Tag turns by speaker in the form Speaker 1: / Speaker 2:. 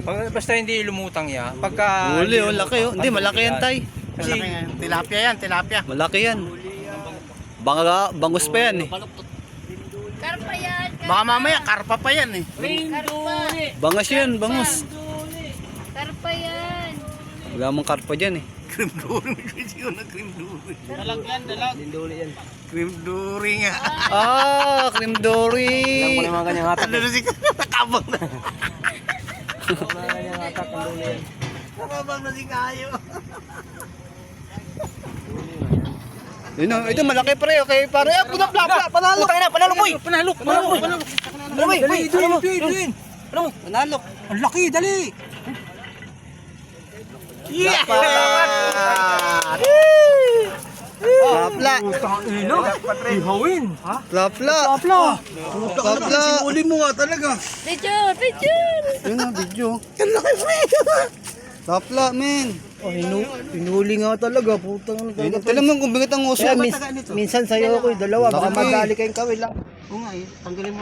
Speaker 1: Basta hindi lumutang yan. Pagka
Speaker 2: Huli, oh, laki oh. Hindi, malaki yan, tay.
Speaker 1: Kasi
Speaker 3: Malaki yan. Tilapia yan, tilapia.
Speaker 2: Malaki yan. Bangus pa yan eh.
Speaker 4: Karpa yan.
Speaker 3: Baka mamaya, karpa pa yan eh.
Speaker 4: Karpa.
Speaker 2: Bangas yan, bangus.
Speaker 4: Karpa yan.
Speaker 2: Wala mong karpa dyan eh.
Speaker 3: Cream dory. Kasi yun ang cream dory.
Speaker 5: Dalag yan, dalag.
Speaker 3: Cream dory nga.
Speaker 2: Ah, cream dory.
Speaker 1: mga kanyang hatak.
Speaker 3: Ano na si nakabang na.
Speaker 1: Mga kanyang hatak ang dulo yan.
Speaker 3: Nakabang na si Kayo.
Speaker 2: Yun oh, ito malaki pre, okay pare. Ah, puta plapa, panalo.
Speaker 1: Putang ina, panalo boy. Panalo. Boy, dali.
Speaker 2: Panalo.
Speaker 1: Ang laki, dali.
Speaker 3: Yeah!
Speaker 2: Plapla.
Speaker 1: Ino. Ihawin. Ha?
Speaker 2: Plapla.
Speaker 1: Apla.
Speaker 2: Plapla.
Speaker 3: Uli mo nga talaga.
Speaker 4: Picture, picture.
Speaker 2: Yun ang video.
Speaker 3: Ang laki pre.
Speaker 2: Plapla, men.
Speaker 1: Oh, hinuli nga talaga, putang ina.
Speaker 2: Tala mo kung bigat ang uso.
Speaker 1: Minsan sa'yo ako, dalawa, baka
Speaker 2: Laki.
Speaker 1: madali kayong kawil lang.
Speaker 3: Oo nga eh. Tanggalin mo.